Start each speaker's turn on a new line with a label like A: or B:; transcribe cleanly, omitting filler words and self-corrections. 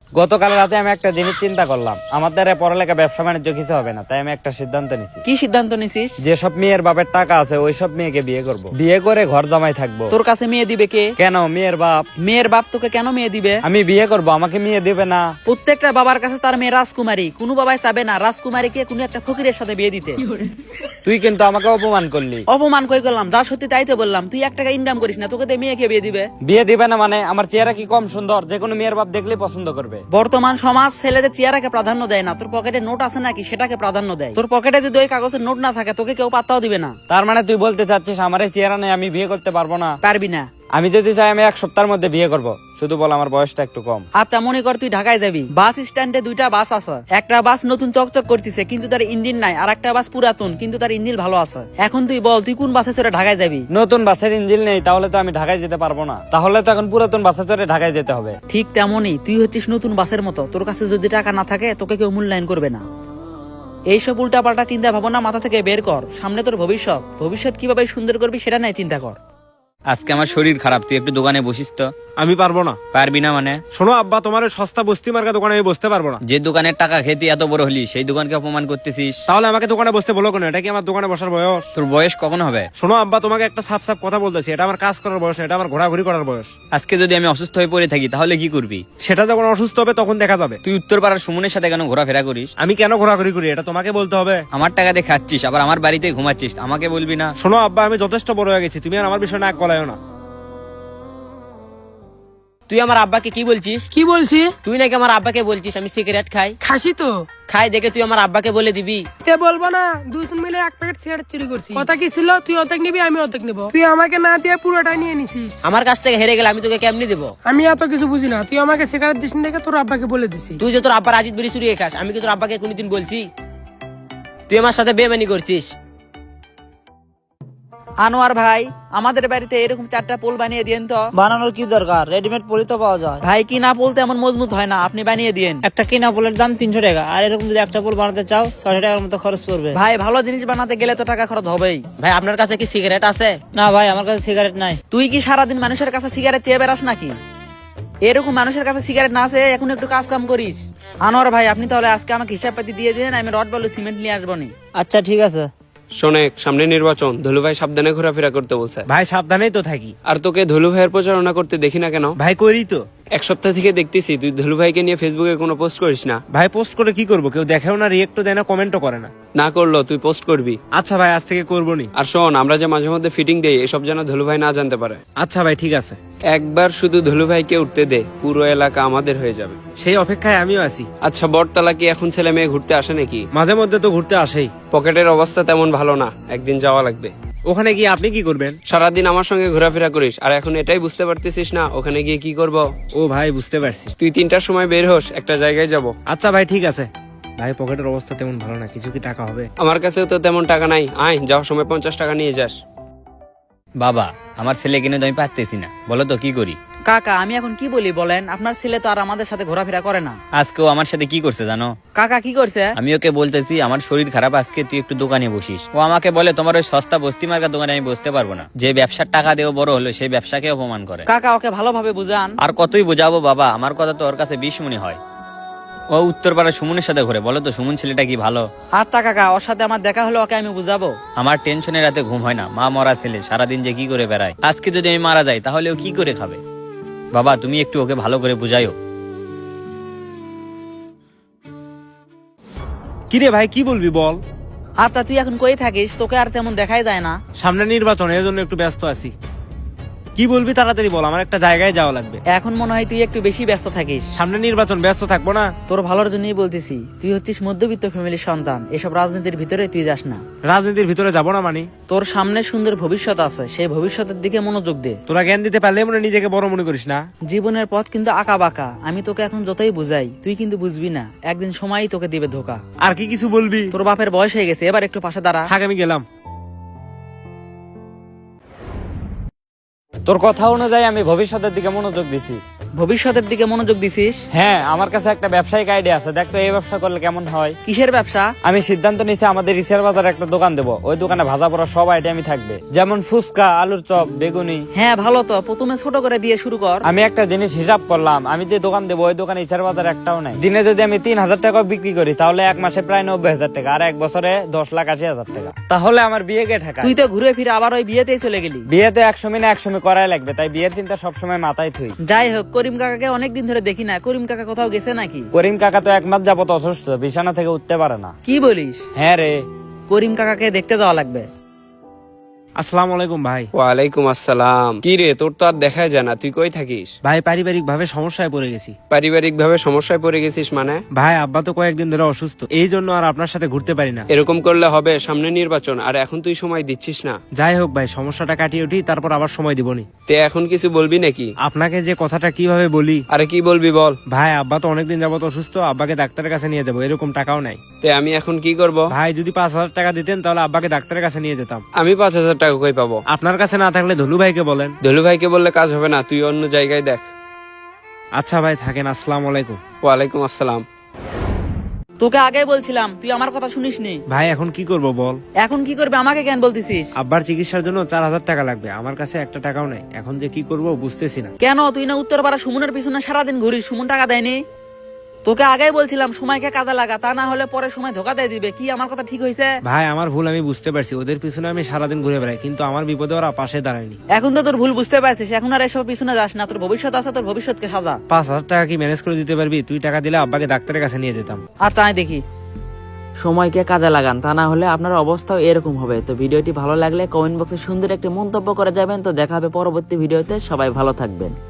A: গতকাল রাতে আমি একটা জিনিস চিন্তা করলাম, আমার দ্বারা পড়ালেখা ব্যবসা বাণিজ্য কিছু হবে না, তাই আমি একটা সিদ্ধান্ত নিছি।
B: কি সিদ্ধান্ত নিছিস?
A: যেসব মেয়ের বাপের টাকা আছে ওইসব মেয়েকে বিয়ে করব, বিয়ে করে ঘর জামাই থাকবো।
B: তোর কাছে মেয়ে দিবে কে?
A: কেন মেয়ের বাপ?
B: মেয়ের বাপ তোকে কেন মেয়ে দিবে?
A: আমি বিয়ে করব, আমাকে মেয়ে দিবে না?
B: প্রত্যেকটা বাবার কাছে তার মেয়ে রাজকুমারী, কোনো বাবাই চাবে না রাজকুমারীকে কোনো একটা ফকিরের সাথে বিয়ে দিতে।
A: তুই কিন্তু আমাকে অপমান করলি।
B: অপমান কই করলাম? যা সত্যি তাই তো বললাম। তুই 1 টাকা ইনকাম করিস না, তোকে দিয়ে মেয়েকে বিয়ে দিবে?
A: বিয়ে দিবে না মানে? আমার চেহারা কি কম সুন্দর যে কোনো মেয়ের বাপ দেখলেই পছন্দ করবে?
B: বর্তমান সমাজ ছেলেদের চেহারাকে প্রাধান্য দেয় না, তোর পকেটে নোট আছে নাকি সেটাকে প্রাধান্য দেয়। তোর পকেটে যদি ওই কাগজের নোট না থাকে তোকে কেউ পাত্তাও দিবে না।
A: তার মানে তুই বলতে চাচ্ছিস আমার এই চেহারা নেই আমি বিয়ে করতে পারবো না?
B: পারবি না।
A: আমি যদি চাই আমি 1 সপ্তাহের মধ্যে বিয়ে করব, শুধু বল আমার বয়সটা একটু কম।
B: আচ্ছা মনে কর তুই ঢাকায় যাবি, বাস স্ট্যান্ডে 2টা বাস আছে। একটা বাস নতুন চকচক করতেছে কিন্তু তার ইঞ্জিন নাই, আর একটা বাস পুরাতন কিন্তু তার ইঞ্জিন ভালো আছে। এখন তুই বল তুই কোন বাসে চড়ে ঢাকায় যাবি?
A: নতুন বাসের ইঞ্জিন নেই, তাহলে তো আমি ঢাকায় যেতে পারবো না। তাহলে তো এখন পুরাতন বাসে চড়ে ঢাকায় যেতে হবে।
B: ঠিক তেমনই তুই হচ্ছিস নতুন বাসের মতো, তোর কাছে যদি টাকা না থাকে তোকে কেউ মূল্যায়ন করবে না। এইসব উল্টাপাল্টা চিন্তা ভাবনা মাথা থেকে বের কর, সামনে তোর ভবিষ্যৎ, ভবিষ্যৎ কিভাবে সুন্দর করবি সেটা নিয়ে চিন্তা কর।
C: আজকে আমার শরীর খারাপ, তুই একটু দোকানে বসিস তো।
D: আমি পারবো না।
C: পারবি না মানে?
D: শোনো আব্বা, তোমার ওই সস্তা বস্তি মার্কা দোকানে আমি বসতে পারবো না।
C: যে দোকানের টাকা খেয়ে তুই এত বড় হলি সেই দোকানকে অপমান করতেছিস।
D: তাহলে আমাকে দোকানে বসতে বলো কেন? এটা কি আমার দোকানে বসার বয়স?
C: তোর বয়স কখন হবে?
D: শোনো আব্বা, তোমাকে একটা সাফ সাফ কথা বলতেছি, এটা আমার কাজ করার বয়স না, এটা আমার ঘোরাঘুরি করার বয়স।
C: আজকে যদি আমি অসুস্থ হয়ে পড়ে থাকি তাহলে কি করবি?
D: সেটা যখন অসুস্থ হবে তখন দেখা যাবে।
C: তুই উত্তরপাড়ার সুমনের সাথে কেন ঘোরাফেরা করিস?
D: আমি কেন ঘোরাঘুরি করি এটা তোমাকে বলতে হবে।
C: আমার টাকা দিয়ে খাচ্ছিস আবার আমার বাড়িতে ঘুমাচ্ছিস, আমাকে বলবি না?
D: শোনো আব্বা, আমি যথেষ্ট বড় হয়ে গেছি, তুমি আর আমার বিষয় নাক গলায়ও না।
E: তুই আমার আব্বাকে কি বলছিস?
F: কি বলছি?
E: তুই নাকি আমার আব্বাকে বলছিস আমি সিগারেট খাই।
F: খাসি তো
E: খাই দেখে তুই আমার আব্বাকে বলে দিবি?
F: তে বলবো না, দুজন মিলে 1 প্যাকেট সিগারেট চুরি করছি। কথা কি ছিল, তুই অর্ধেক নিবি আমি অর্ধেক নিবো। তুই আমাকে না দিয়ে পুরোটাই নিয়ে নিছিস।
E: আমার কাছ থেকে হেরে গেলে আমি তোকে কেমনি দেবো?
F: আমি এত কিছু বুঝি না, তুই আমাকে সিগারেট দিস দেখে তোর আব্বাকে বলে দিছি।
E: তুই যে তোর আব্বার আজিত বিড়ি চুরিয়ে খাস, আমি কি তোর আব্বাকে কোনোদিন বলছি? তুই আমার সাথে বেমানি করছিস।
B: আনোয়ার ভাই, আমাদের বাড়িতে এরকম 4টা পোল বানিয়ে দিয়েন তো।
G: বানানোর কি দরকার, রেডিমেড পলি তো পাওয়া যায়।
B: ভাই কি না বলতে এমন মজবুত হয় না, আপনি বানিয়ে দিয়েন।
G: একটা কিনা পোলের দাম 300 টাকা, আর এরকম যদি একটা পোল বানাতে চাও 600 টাকার মতো খরচ পড়বে।
B: ভাই ভালো জিনিস বানাতে গেলে তো টাকা খরচ হবেই।
E: ভাই আপনার কাছে কি সিগারেট আছে?
G: না ভাই, আমার কাছে সিগারেট নাই।
B: তুই কি সারাদিন মানুষের কাছে সিগারেট চেয়ে বেড়াস নাকি? এরকম মানুষের কাছে সিগারেট না আছে এখন একটু কাজ কাম করিস। আনোয়ার ভাই আপনি তাহলে আজকে আমাকে হিসাব পাতি দিয়ে দিন, আমি রড বালু সিমেন্ট নিয়ে আসবো নি।
G: আচ্ছা ঠিক আছে।
H: শোনেক, সামনে নির্বাচন, ধুলুভাই সাবধানে ঘোরাফেরা করতে বলছে।
D: ভাই সাবধানেই তো থাকি।
H: আর তোকে ধুলুভাইয়ের প্রচারণা করতে দেখি না কেন?
D: ভাই করি তো।
H: 1 সপ্তাহ থেকে দেখতেছি তুই ধুলুভাইকে নিয়ে ফেসবুকে কোনো পোস্ট করিস না।
D: ভাই পোস্ট করে কি করবো? কেউ দেখেও না, রিয়েক্টও দেয় না, কমেন্টও করে না।
H: না করলো তুই পোস্ট করবি।
D: আচ্ছা ভাই, আজ থেকে করবো নি।
H: আর শোন, আমরা যে মাঝে মধ্যে ফিটিং দেই এসব যেন ধুলুভাই না জানতে পারে।
D: আচ্ছা ভাই ঠিক আছে।
H: একবার শুধু ধুলুভাইকে উঠতে দে, পুরো এলাকা আমাদের হয়ে যাবে।
D: সেই অপেক্ষায় আমিও আছি।
H: আচ্ছা বটতলা কি এখন ছেলে মেয়ে ঘুরতে আসে নাকি?
D: মাঝে মধ্যে তো ঘুরতে আসেই।
H: পকেটের অবস্থা তেমন ভালো না, একদিন যাওয়া লাগবে।
D: ওখানে গিয়ে আপনি কি করবেন?
H: সারাদিন আমার সঙ্গে ঘোরাফেরা করিস আর এখন এটাই বুঝতে পারতেছিস না ওখানে গিয়ে কি করব?
D: ও ভাই বুঝতে পারছি।
H: তুই 3টার সময় বের হোস, একটা জায়গায় যাব।
D: আচ্ছা ভাই ঠিক আছে। ভাই পকেটের অবস্থা তেমন ভালো না, কিছু কি টাকা হবে?
H: আমার কাছেও তো তেমন টাকা নাই, আয় যাওয়ার সময় 50 টাকা নিয়ে যাস।
C: বাবা, আমার ছেলে কিনে তো আমি পারতেছি না, বলো তো কি করি?
B: কাকা আমি এখন কি বলি বলেন, আপনার ছেলে তো আর আমাদের সাথে ঘোরাফেরা করে না।
C: আজকেও আমার সাথে কি করছে জানো?
B: কাকা কি করছে?
C: আমি ওকে বলতেছি আমার শরীর খারাপ, আজকে তুই একটু দোকানে বসিস। ও আমাকে বলে তোমার ওই সস্তা বস্তি মার্কা দোকানে আমি বসতে পারবো না। যে ব্যবসার টাকা দেও বড় হলো সেই ব্যবসাকে অপমান করে।
B: কাকা ওকে ভালোভাবে বুঝান।
C: আর কতই বোঝাবো বাবা, আমার কথা তো ওর কাছে 20 মনে হয়। ও উত্তরপাড়া সুমনের সাথে ঘুরে, বলো তো সুমন ছেলেটা কি ভালো?
B: আচ্ছা কাকা, ওর সাথে আমার দেখা হলো, ওকে আমি বুঝাবো।
C: আমার টেনশনে রাতে ঘুম হয় না, মা মরা ছেলে সারাদিন যে কি করে বেড়ায়। আজকে যদি আমি মারা যাই তাহলে ও কি করে খাবে? বাবা তুমি একটু ওকে ভালো করে বুঝাইও।
D: কিরে ভাই কি বলবি বল?
B: আচ্ছা তুই এখন কই থাকিস? তোকে আর তেমন দেখাই যায় না।
D: সামনে নির্বাচন, এর জন্য একটু ব্যস্ত আছি। কি বলবি তাড়াতাড়ি বল, আমার একটা জায়গায় যাওয়া লাগবে।
B: এখন মনে হয় তুই একটু বেশি ব্যস্ত থাকিস।
D: সামনে নির্বাচন, ব্যস্ত থাকবো না?
B: তোর ভালোর জন্যই বলতেছি, তুই হচ্ছিস মধ্যবিত্ত ফ্যামিলির সন্তান, এসব রাজনীতির ভিতরে তুই যাস না।
D: রাজনীতির ভিতরে যাবো না মানে?
B: তোর সামনে সুন্দর ভবিষ্যৎ আছে, সেই ভবিষ্যতের দিকে মনোযোগ দে।
D: তোরা জ্ঞান দিতে পারলে মনে নিজেকে বড় মনে করিস না।
B: জীবনের পথ কিন্তু আঁকা বাঁকা, আমি তোকে এখন যতই বুঝাই তুই কিন্তু বুঝবি না, একদিন সময়ই তোকে দিবে ধোকা।
D: আর কি কিছু বলবি?
B: তোর বাপের বয়স হয়ে গেছে, এবার একটু পাশে দাঁড়া।
D: থাক আমি গেলাম।
A: তোর কথা অনুযায়ী আমি ভবিষ্যতের দিকে মনোযোগ দিছি।
B: ভবিষ্যতের দিকে মনোযোগ দিছিস?
A: হ্যাঁ, আমার কাছে একটা ব্যবসায়িক আইডিয়া আছে, দেখ তো এই ব্যবসা করলে কেমন হয়।
B: কিসের ব্যবসা?
A: আমি সিদ্ধান্ত নিয়েছি আমাদের রিসেল বাজারে একটা দোকান দেবো। ওই দোকানে ভাজা পড়া সব আইটেমই থাকবে, যেমন ফুচকা, আলুর চপ, বেগুনি।
B: হ্যাঁ ভালো তো, প্রথমে ছোট করে দিয়ে শুরু কর।
A: আমি একটা জিনিস হিসাব করলাম, আমি যে দোকান দেবো ওই দোকানে ইসার বাজার একটাও নাই। দিনে যদি আমি 3,000 টাকা বিক্রি করি তাহলে এক মাসে প্রায় 90,000 টাকা, আর এক বছরে 10,80,000 টাকা। তাহলে আমার বিয়ে কে ঠেকা?
B: তুই তো ঘুরে ফিরে আবার ওই বিয়েতেই চলে গেলি।
A: বিয়ে তো 100 মিনিট 100 মিনিট করাই লাগবে, তাই বিয়ের চিন্তা সবসময় মাথায় থুই।
B: যাই হোক, করিম কাকাকে অনেকদিন ধরে দেখি না, করিম কাকা কোথাও গেছে নাকি?
A: করিম কাকা তো 1 মাস যাবত অসুস্থ, বিছানা থেকে উঠতে পারে না।
B: কি বলিস?
A: হ্যাঁ রে।
B: করিম কাকাকে দেখতে যাওয়া লাগবে।
D: আসসালামু আলাইকুম ভাই।
H: ওয়ালাইকুম আসসালাম। কি রে, তোর তো আর দেখাই যায় না, তুই কই থাকিস?
D: ভাই পারিবারিক ভাবে সমস্যায় পড়ে গেছি।
H: পারিবারিক ভাবে সমস্যায় পড়ে গেছিস মানে?
D: ভাই আব্বা তো কয়েকদিন ধরে অসুস্থ, এই জন্য আর আপনার সাথে ঘুরতে পারি না।
H: এরকম করলে হবে? সামনে নির্বাচন, আর এখন তুই সময় দিচ্ছিস না।
D: যাই হোক ভাই, সমস্যাটা কাটিয়ে উঠি, তারপর আবার সময় দিবনি।
H: তে এখন কিছু বলবি নাকি?
D: আপনাকে যে কথাটা কিভাবে বলি।
H: আরে কি বলবি বল।
D: ভাই আব্বা তো অনেকদিন যাবত অসুস্থ, আব্বাকে ডাক্তারের কাছে নিয়ে যাবো, এরকম টাকাও নাই।
H: তে আমি এখন কি করব?
D: ভাই যদি 5,000 টাকা দিতেন তাহলে আব্বাকে ডাক্তারের কাছে নিয়ে যেতাম।
H: আমি 5,000 টাকা কই পাবো?
D: আপনার কাছে না থাকলে ধলু ভাইকে বলেন।
H: ধলু ভাইকে বললে কাজ হবে না, তুই অন্য জায়গায় দেখ।
D: আচ্ছা ভাই থাকেন, আসসালামু আলাইকুম।
H: ওয়ালাইকুম আসসালাম।
B: তোকে আগে বলছিলাম, তুই আমার কথা শুনিসনি।
D: ভাই এখন কি করব বল।
B: এখন কি করবে আমাকে কেন বলতেছিস?
D: আব্বার চিকিৎসার জন্য 4,000 টাকা লাগবে, আমার কাছে একটা টাকাও নাই। এখন যে কি করব বুঝতেছি না।
B: কেন, তুই না উত্তরপাড়া সুমনের পিছনে সারাদিন ঘুরিস, সুমন টাকা দেয়নি? তোকে আগেই বলছিলাম সময়কে কাজে লাগা, তা না হলে পরে সময় ধোকা দিয়ে দিবে। কি আমার কথা ঠিক হয়েছে?
D: ভাই আমার ভুল, আমি বুঝতে পারছি। ওদের পিছনে আমি সারাদিন ঘুরে বেড়াই, কিন্তু আমার বিপদে ওরা পাশে দাঁড়ায়নি।
B: এখন তো তোর ভুল বুঝতে পারছিস, এখন আর এসব পিছনে যাস না। তোর ভবিষ্যৎ আছে, তোর ভবিষ্যৎকে সাজা।
D: 5,000 টাকা কি ম্যানেজ করে দিতে পারবি? তুই টাকা দিলে আব্বাকে ডাক্তারের কাছে নিয়ে যেতাম।
B: আর তাই দেখি। সময়কে কাজে লাগান, তা না হলে আপনার অবস্থাও এরকম হবে। তো ভিডিওটি ভালো লাগলে কমেন্ট বক্সে সুন্দর একটি মন্তব্য করে যাবেন। তো দেখা হবে পরবর্তী ভিডিওতে, সবাই ভালো থাকবেন।